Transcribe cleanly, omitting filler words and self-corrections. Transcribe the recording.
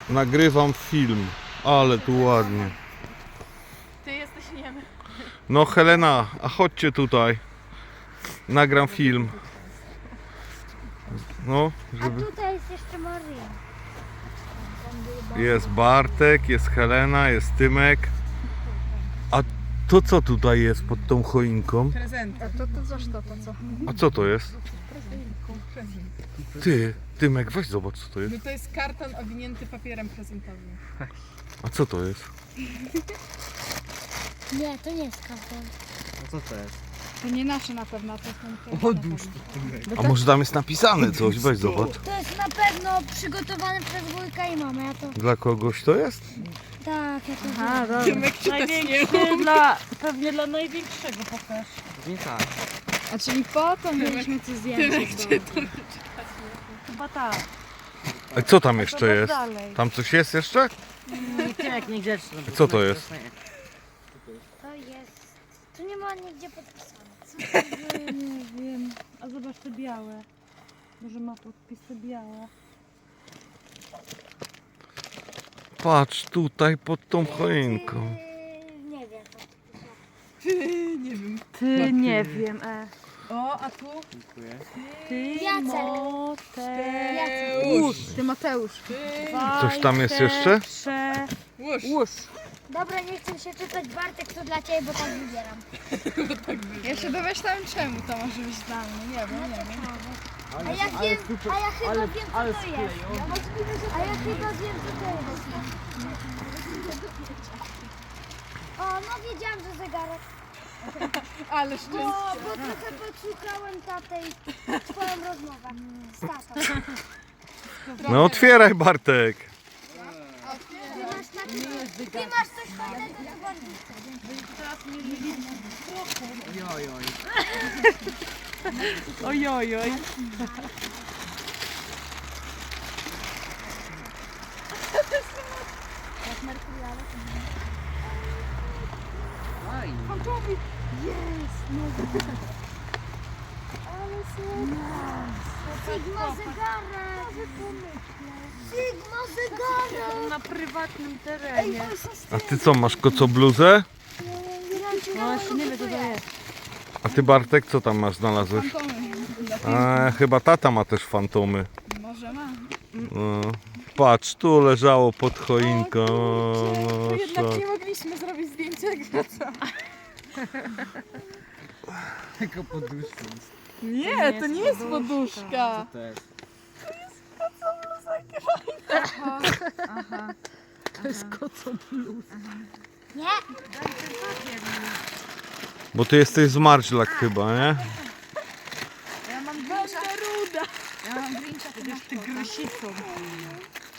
Nagrywam film, ale tu ładnie. Ty jesteś niemy. No Helena, a chodźcie tutaj. Nagram film. No, A żeby... tutaj jest jeszcze Maria. Jest Bartek, jest Helena, jest Tymek. A to co tutaj jest pod tą choinką? Prezent. A to coś to co? A co to jest? Ty, Tymek, weź zobacz co to jest. No to jest karton owinięty papierem prezentowym. A co to jest? Nie, to nie jest karton. A co to jest? To nie nasze na pewno, to są te. Odłóż to. A może tam jest napisane coś? Weź zobacz. To jest na pewno przygotowane przez wujka i mamę. Ja to... Dla kogoś to jest? Tak, ja to A, wiem. dobra. Tymek czytać nie Największy dla, pewnie dla największego pokaż. Nie tak. A czyli po to mieliśmy tu zdjęcie. Chyba tak. A co tam jeszcze Zobacz jest? dalej. Tam coś jest jeszcze? Jak niegrzeczny. bo Co to Tymek jest? nie. To jest... Tu nie ma nigdzie podpisane. Nie wiem. A zobacz te białe. Może ma podpisy białe. Patrz tutaj pod tą choinką. Nie wiem. Nie wiem. Ty nie wiem, O, a tu? Dziękuję. Ty Jacek. Mateusz. Ty Mateusz. Coś tam jest jeszcze? Łóż. Łóż. Dobra, nie chcę się czytać. Bartek, to dla Ciebie, bo tak wybieram. Ja się domyślałem czemu to może być dla mnie. Nie wiem, nie wiem. A ja wiem, a ja chyba wiem, co to jest. A ja chyba wiem, co to jest. O, no wiedziałam, że zegarek. Ale szczęście. Bo trochę podsłuchałem tatę i twoją rozmowę z tatą. No otwieraj Bartek. Ty masz coś fajnego, co bardziej Oj, oj. Ojojoj. Aj. Sigma zegarek. Sigma zegarek. Na prywatnym terenie. A ty co, masz kocobluzę? No jeszcze nie wie co to jest. A ty Bartek, co tam masz znalazłeś? Chyba tata ma też fantomy. Może ma. No. Patrz, tu leżało pod choinką. To jednak Szok. nie mogliśmy zrobić zdjęcia graca. Tylko poduszką. Nie, to nie jest poduszka. Co to jest? Aha. To jest koco plus. Nie, Bo ty jesteś zmarźlak chyba, nie? Ja mam Grincha. Ruda. Ja mam Grincha. Ty grysicą.